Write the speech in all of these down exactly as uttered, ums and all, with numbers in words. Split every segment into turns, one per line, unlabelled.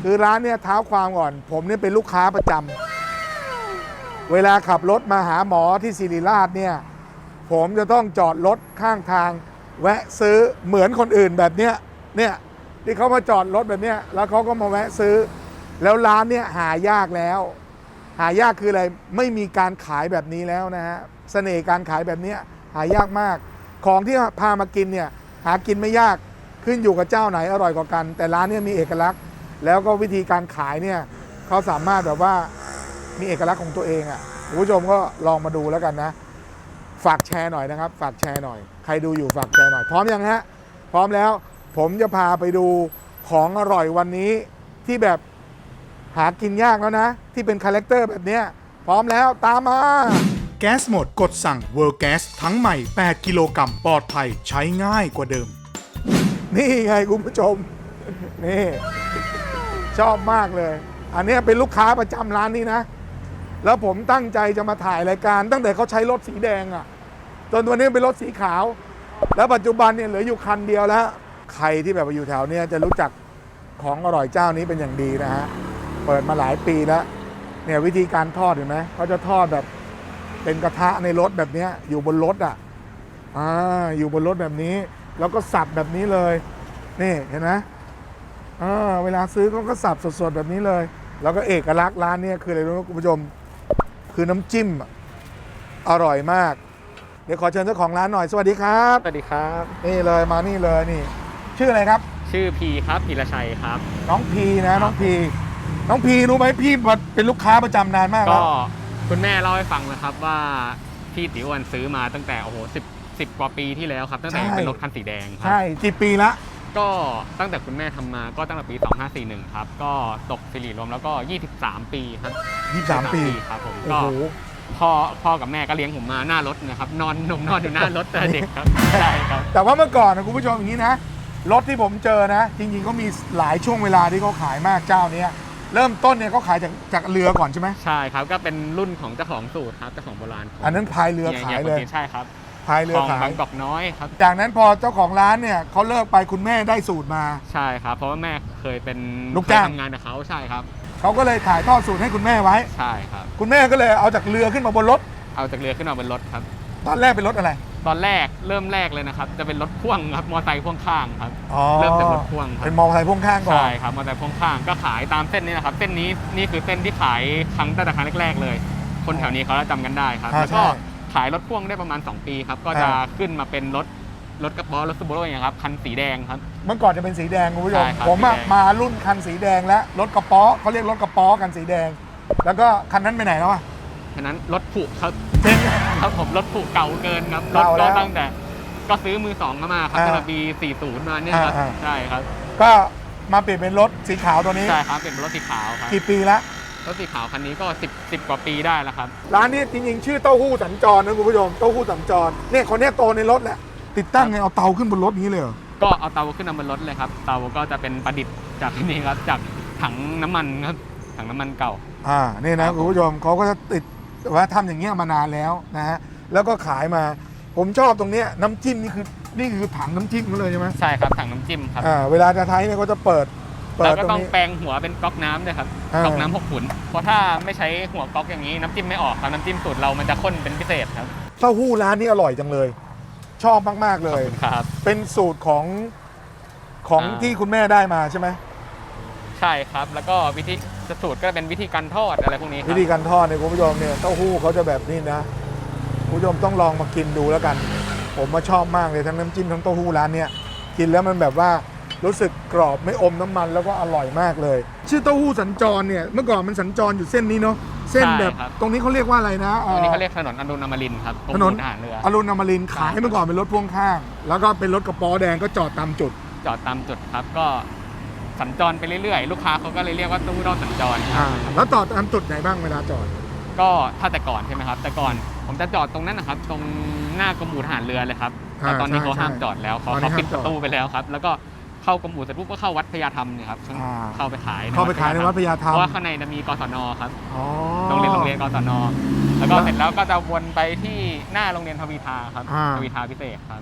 คือร้านเนี่ยเท้าความก่อนผมเนี่ยเป็นลูกค้าประจำเวลาขับรถมาหาหมอที่ศิริราชเนี่ยผมจะต้องจอดรถข้างทางแวะซื้อเหมือนคนอื่นแบบเนี้ยเนี่ยที่เขามาจอดรถแบบเนี้ยแล้วเขาก็มาแวะซื้อแล้วร้านเนี่ยหายากแล้วหายากคืออะไรไม่มีการขายแบบนี้แล้วนะฮะเสน่ห์การขายแบบนี้หายากมากของที่พามากินเนี่ยหากินไม่ยากขึ้นอยู่กับเจ้าไหนอร่อยกว่ากันแต่ร้านเนี่ยมีเอกลักษณ์แล้วก็วิธีการขายเนี่ยเขาสามารถแบบว่ามีเอกลักษณ์ของตัวเองอ่ะคุณผู้ชมก็ลองมาดูแล้วกันนะฝากแชร์หน่อยนะครับฝากแชร์หน่อยใครดูอยู่ฝากแชร์หน่อยพร้อมยังฮะพร้อมแล้วผมจะพาไปดูของอร่อยวันนี้ที่แบบหากินยากแล้วนะที่เป็นคาแรคเตอร์แบบนี้พร้อมแล้วตามมาแก๊สหมดกดสั่ง World Gas ทั้งใหม่แปดกิโลกรัมปลอดภัยใช้ง่ายกว่าเดิมนี่ไงคุณผู้ชมนี่ชอบมากเลยอันนี้เป็นลูกค้าประจำร้านนี้นะแล้วผมตั้งใจจะมาถ่ายรายการตั้งแต่เขาใช้รถสีแดงอ่ะจนวันนี้เป็นรถสีขาวแล้วปัจจุบันเนี่ยเหลืออยู่คันเดียวแล้วใครที่แบบอยู่แถวนี้จะรู้จักของอร่อยเจ้านี้เป็นอย่างดีนะฮะเปิดมาหลายปีแล้วเนี่ยวิธีการทอดเห็นไหมเขาจะทอดแบบเป็นกระทะในรถแบบนี้อยู่บนรถอ่ะอ่าอยู่บนรถแบบนี้แล้วก็สับแบบนี้เลยนี่เห็นไหมอ่าเวลาซื้อเขาก็สับสดๆแบบนี้เลยแล้วก็เอกลักษณ์ร้านนี้คืออะไรรู้ไหมคุณผู้ชมคือน้ำจิ้มอร่อยมากเดี๋ยวขอเชิญเจ้าของร้านหน่อยสวัสดีครับ
สวัสดีครับ
นี่เลยมานี่เลยนี่ชื่ออะไรครับ
ชื่อพีครับพีรชัยครับ
น้องพีนะน้องพีน้องพีรู้ไหมพี่เป็นลูกค้าประจำนานมากแล้ว
ก็คุณแม่เล่าให้ฟังนะครับว่าพี่ติ๋วอันซื้อมาตั้งแต่โอ้โหสิบสิบกว่าปีที่แล้วครับตั้งแต่เป็นรถคันสีแดงครับ
ใช่กี่ปีละ
ก็ตั้งแต่คุณแม่ทำมาก็ตั้งแต่ปีสองห้าสี่หนึ่งครับก็ตกสิริรวมแล้วก็ยี่สิบสามปีครับ
ยี่สิบสามปี
ครับผมก็พ่อพ่อกับแม่ก็เลี้ยงผมมาหน้ารถนะครับนอนนมนอนอยู่หน้ารถแต่เด็กครับใช่ครับ
แต่ว่าเมื่อก่อนนะคุณผู้ชมอย่างนี้นะรถที่ผมเจอนะจริงๆก็มีหลายช่วงเวลาที่เขาขายมากเจ้านี้เริ่มต้นเนี่ยเขาขายจากจากเรือก่อนใช่ไหม
ใช่ครับก็เป็นรุ่นของเจ้าของสูตรครับเจ้าของโบราณ
อันนั้นพายเรือขายเลย
ใช่ครับ
พายเรือขาย
บางกอกน้อยครับ
จากนั้นพอเจ้าของร้านเนี่ยเขาเลิกไปคุณแม่ได้สูตรมา
ใช่ครับเพราะว่าแม่เคยเป็น
ลูกจ้าง
ทำงานกับเขาใช่ครับ
เขาก็เลยถ่ายทอดสูตรให้คุณแม่ไว้
ใช่ครับ
คุณแม่ก็เลยเอาจากเรือขึ้นมาบนรถ
เอาจากเรือขึ้นมาบนรถครับ
ตอนแรกเป็นรถอะไร
ตอนแรกเริ่มแรกเลยนะครับจะเป็นรถพ่วงครับมอเตอร์ไซค์พ่วงข้างครับ
เริ่
มจากรถพ่วงครับ
เป็นมอเตอร์ไซค์พ่วงข้างก่อน
ใช่ครับมอเตอร์ไซค์พ่วงข้างก็ขายตามเส้นนี้นะครับเส้นนี้นี่คือเส้นที่ขายครั้งตั้งแต่ครั้งแรกๆเลยคนแถวนี้เขาจะจำกันได้ครับแล้วก็ขายรถพ่วงได้ประมาณสองปีครับก็จะขึ้นมาเป็นรถรถกระป๋อรถซูโบโร่อย่างครับคันสีแดงครับ
เมื่อก่อนจะเป็นสีแดงคุณผู้ชมผมมารุ่นคันสีแดงแล้วรถกระป๋อเขาเรียกรถกระป๋อกันสีแดงแล้วก็คันนั้นไปไหนแล้วอ่ะ
คันนั้นรถผุครับ
เจ๊ง
ครับผมรถผุเก่าเกินครับรถก็ตั้งแต่ก็ซื้อมือสองมาครับตั้งแต่ปีสี่สิบมาเนี่ยครับใช่ครับ
ก็มาเปลี่ยนเป็นรถสีขาวตัวนี้
ใช่ครับเปลี่ยนเป็นรถสีขาวครับ
กี่ปีละ
รถสีขาวคันนี้ก็สิบ สิบกว่าปีได้แล้วครับ
ร้านนี้จริงๆชื่อเต้าหู้สัญจรนะคุณผู้ชมเต้าหู้สัญจรเนี่ยคนนี้โตในรถแหละติดตั้งไงเอาเตาขึ้นบนรถนี้เลยเหรอ
ก็เอาเตาขึ้นมาบนรถเลยครับเตาก็จะเป็นประดิษฐ์จากที่นี่ครับจากถังน้ำมันครับถังน้ำมันเก่า
อ่านี่นะคุณผู้ชมเขาก็จะติดว่าทำอย่างเงี้ยมานานแล้วนะฮะแล้วก็ขายมาผมชอบตรงเนี้ยน้ำจิ้มนี่คือนี่คือถังน้ำจิ้มเขาเลยใช่ไหม
ใช่ครับถังน้ำจิ้มครับ
อ่าเวลาจะใช้เนี่ยก็จะเปิด
แล้วก็ต้องแปลงหัวเป็นก๊อกน้ำด้วยครับก๊อกน้ำหกขุนเพราะถ้าไม่ใช้หัวก๊อกอย่างนี้น้ำจิ้มไม่ออกครับน้ำจิ้มสูตรเรามันจะข้นเป็นพิเศษครับ
เต้าหู้ร้านนี้อร่อยจังเลยชอบมากๆเลย
ครับ
เป็นสูตรของของที่คุณแม่ได้มาใช่ไหม
ใช่ครับแล้วก็วิธีสูตรก็เป็นวิธีการทอดอะไรพวกนี้
วิธีการทอดเนี่ยคุณผู้ชมเนี่ยเต้าหู้เขาจะแบบนี้นะคุณผู้ชมต้องลองมากินดูแล้วกันผมมาชอบมากเลยทั้งน้ำจิ้มทั้งเต้าหู้ร้านเนี้ยกินแล้วมันแบบว่ารู้สึกกรอบไม่อมน้ำมันแล้วก็อร่อยมากเลยชื่อเต้าหู้สัญจรเนี่ยเมื่อก่อนมันสัญจรอยู่เส้นนี้เนาะเส้นแบบตรงนี้เขาเรียกว่าอะไรนะ
ตรงนี้เขาเรียกถนนอรุณอมรินทร์ครับ
ถนนทหารเรืออรุณอมรินทร์ขายเมื่อก่อนเป็นรถพ่วงข้างแล้วก็เป็นรถกระป๋อแดงก็จอดตามจุด
จอดตามจุดครับก็สัญจรไปเรื่อยๆลูกค้าเขาก็เลยเรียกว่าตู้รอดสัญจร
อ่าแล้วจอดตามจุดไหนบ้างเวลาจอด
ก็ถ้าแต่ก่อนใช่ไหมครับแต่ก่อนผมจะจอดตรงนั้นนะครับตรงหน้ากรมอู่ทหารเรือเลยครับแต่ตอนนี้เขาห้ามจอดแล้วเขาเขาปิดประตูไปแล้วครับแล้วก็เข้ากรมอู่เสร็จปุ๊บก็เข้าวัดพญาธรรมเนี่ยครับเข้าไปขาย
เข้าไปขายในวัดพญาธรรม
เพราะว่าข้างในจะมีกศนครับโรงเรียนโรงเรียนกศนแล้วก็เสร็จแล้วก็จะวนไปที่หน้าโรงเรียนทวีทาครับทวีทาพิเศษครับ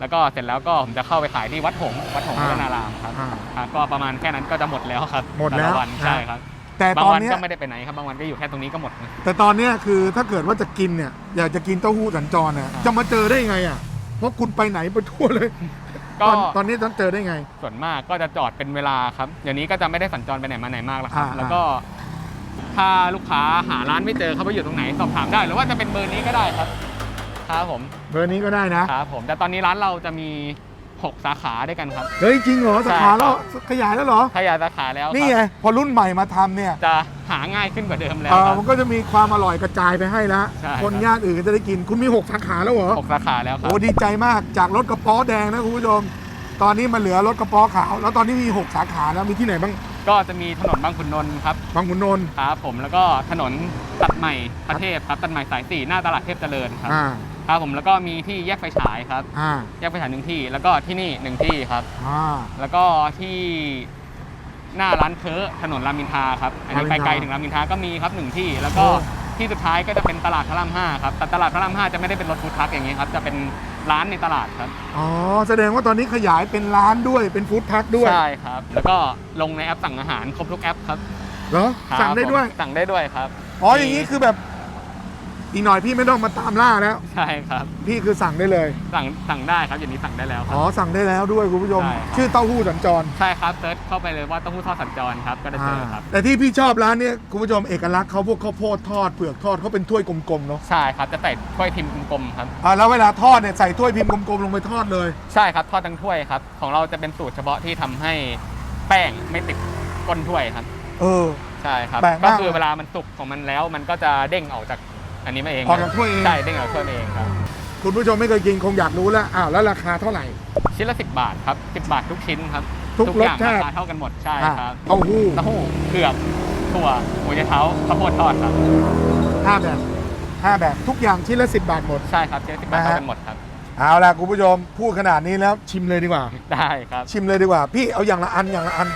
แล้วก็เสร็จแล้วก็ผมจะเข้าไปขายที่วัดหงส์วัดหงส์
อ่า
พัฒนารามครับ
อ่า
ครับก็ประมาณแค่นั้นก็จะหมดแล้วครับ
หมดแล้ว
ต่ะวัน
อ่า
ใช่ครับ
แต่
บา
ต
ง
อน
วัน
เนี้ย
ก็ไม่ได้ไปไหนครับบางวันก็อยู่แค่ตรงนี้ก็หมดนะ
แต่ตอนเนี้ยคือถ้าเกิดว่าจะกินเนี่ยอยากจะกินเต้าหู้สัญจรเนี่ย
ครับ
จะมาเจอได้ยังไงอ่ะเพราะคุณไปไหนไปทั่วเลย
ก็
ตอนตอนนี้ต้องเจอได้ไง
ส่วนมากก็จะจอดเป็นเวลาครับเดี๋ยวนี้ก็จะไม่ได้สัญจรไปไหนมาไหนมากแล้วครับ
อ่า
แล้วก็ถ้าลูกค้าหาร้านไม่เจอเขาไปอยู่ตรงไหนสอบถามได้ หรือว่าจะเป็นเบอร์นี้ก็ได้ครับครับผม
เบอร์นี้ก็ได้นะครับ
ผมแต่ตอนนี้ร้านเราจะมีหกสาขาด้วยกันครับ
เฮ้ยจริงเหรอสาขา
ใช่ครับ
แล้วขยายแล้วเหรอ
ขยายสาขาแล้วครับ
นี่ไงพอรุ่นใหม่มาทำเนี่ย
จะหาง่ายขึ้นกว่าเดิมแล้ว
เอ่อ
ครับ
มันก็จะมีความอร่อยกระจายไปให้แล้ว
ใช่
คน
ครับ
ย่านอื่นก็จะได้กินคุณมีหกสาขาแล้วเหรอ
หกสาขาแล้วครับ
โอ้ดีใจมากจากรถกระป๋อแดงนะคุณผู้ชมตอนนี้มาเหลือรถกระป๋อขาวแล้วตอนนี้มีหกสาขาแล้วมีที่ไหนบ้าง
ก็จะมีถนนบางขุนนนท์ครับ
บางขุนนนท์
ครับผมแล้วก็ถนนตัดใหม่พระเทพครับตัดใหม่สายสี่หน้าตลาดเทพเจริญครับ
อ่า
ครับผมแล้วก็มีที่แยกไฟฉายครับ
อ่า
แยกไฟฉายหนึ่งที่ แล้วก็ที่นี่หนึ่งที่ครับ
อ่า
แล้วก็ที่หน้าร้านเค้อถนนรามอินทราครับอันนี้
ราม
ไป
อินทรา
ไกลถึงรามอินทราก็มีครับหนึ่งที่ แล้วก็
โอ้
ที่สุดท้ายก็จะเป็นตลาดพระรามห้าครับแต่ตลาดพระรามห้าจะไม่ได้เป็นรถฟู้ดทรัคอย่างนี้ครับจะเป็นร้านในตลาดครับ
อ๋อแสดงว่าตอนนี้ขยายเป็นร้านด้วยเป็นฟู้ดทรัคด้วย
ใช่ครับ แล้วก็ลงในแอปสั่งอาหารครบทุกแอปครับ
เหรอ
ครับ
สั่งได้ด้วย
ผมสั่งได้ด้วยครับ
อ๋ออย่างนี้คือแบบอีกหน่อยพี่ไม่ต้องมาตามล่าแล้ว
ใช่ครับ
พี่คือสั่งได้เลย
สั่งสั่งได้ครับอย่างนี้สั่งได้แล้วค
อ๋
รั
อบ สั่งได้แล้วด้วยคุณผู้ชม
ใช่ครับ
ชื่อเต้าหู้สัญจร
ใช่ครับเซิร์ชเข้าไปเลยว่าเต้าหู้ทอดสัญจรครับก็จะเจอครับ
แต่ที่พี่ชอบร้านเนี้ยคุณผู้ชมเอกลักษณ์เขาพวกข้าวโพดทอดเผือกทอดเขาเป็นถ้วยกลมๆเนาะ
ใช่ครับจะใส่ถ้วยพิมพ์กลมๆครับ
อ่าแล้วเวลาทอดเนี่ยใส่ถ้วยพิมพ์กลมๆลงไปทอดเลย
ใช่ครับทอดทั้งถ้วยครับของเราจะเป็นสูตรเฉพาะที่ทำให้แป้งไม่ติดก้นถ้วยครับ
เออ
ใช่ครับ
แปลกมาก
ก็คือเวลามันสุกของมันแล้ว มันก็จะเด้งออกจากอันนี้มาเอง
ออกจากถ้วยเอง
ใช่เด้งออกจากถ้วยมาเองครับ
คุณผู้ชมไม่เคยกินคงอยากรู้แล้วอ้าวแล้วราคาเท่าไหร่
ชิ้นละสิบบาทครับสิบบาททุกชิ้นครับ
ทุก
อย่าง
รสชาติ
ราคาเท่ากันหมดใช่
อ่ะ
ครับ
เต้าหู้
เต้าหู้เผือกถั่วหมูยะเท้าข้าวโพดทอดครับ
ห้าแบบห้าแบบทุกอย่างชิ้นละสิบบาทหมด
ใช่ครับชิ้นละสิบบาท
นะฮะ
เท่ากันหมดครับ
เอาล่ะคุณผู้ชมพูดขนาดนี้แล้วชิมเลยดีกว่า
ได้ครับ
ชิมเลยดีกว่า พี่เอาอย่างละอันอย่างละอัน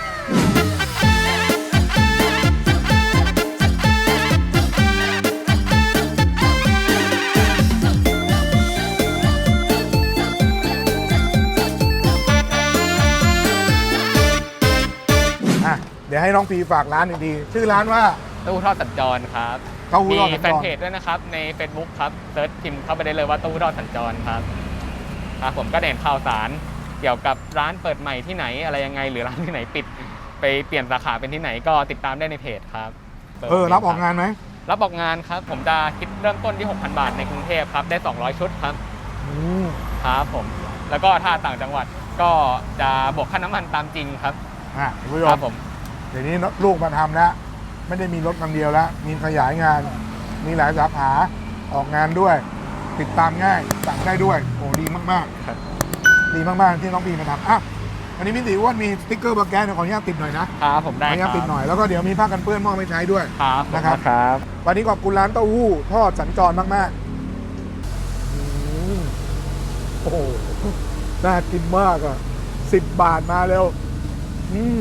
อ่ะ เดี๋ยวให้น้องพีฝากร้านอีกทีชื่อร้านว่า
เต้าหู้ทอดสัญจรครับ
เต้าหู้
มี
ทอดสัญจร
แฟนเพจด้วยนะครับใน Facebook ครับเซิร์ชพิมพ์เข้าไปได้เลยว่าเต้าหู้ทอดสัญจรครับครับผมก็เด่นข่าวสารเกี่ยวกับร้านเปิดใหม่ที่ไหนอะไรยังไง หรือร้านที่ไหนปิดไปเปลี่ยนสาขาเป็นที่ไหนก็ติดตามได้ในเพจครับ
เออรับออกงานไหม
รับออกงานครับ ผมจะคิดเริ่มต้นที่ หกพัน บาทในกรุงเทพครับได้สองร้อยชุดครับ
อืม
ครับผมแล้วก็ถ้าต่างจังหวัดก็จะบวกค่าน้ำมันตามจริงครับ
อ่ะคุณผู้ช
ครั
ม
บผม
เดี๋ยวนี้ลูกมาทำแล้วไม่ได้มีรถคันเดียวแล้ว มีขยายงาน มีหลายสาขาออกงานด้วย ติดตามง่ายสั่งได้ด้วยโอ้ดีมาก
ครับ
ๆ ดีมากๆที่น้องพีมาทำอ่ะวันนี้มิติอ้วนมีสติ๊กเกอร์บาแกนเดี๋ยวขออนุญาตติดหน่อยนะครับ
ผม
ขอ
ได้
อนุ
ค
ญา
รั
ต
บ
ติดหน่อยแล้วก็เดี๋ยวมีผ้ากันเปื้อนมอบไปใช้ด้วย
ครับ
นะครับ
ครับ
วันนี้ขอบคุณร้านเต้าหู้ทอดสัญจรมากๆอืมโอ้โหน่ากินมากอ่ะสิบบาทมาเร็วอืม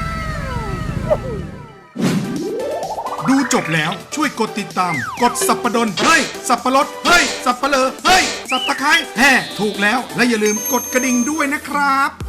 ดูจบแล้วช่วยกดติดตาม กดสับปะดนเฮ้ย สับปะรดเฮ้ย สับปะเลอเฮ้ย สับตะไคร้แห่ถูกแล้ว และอย่าลืมกดกระดิ่งด้วยนะครับ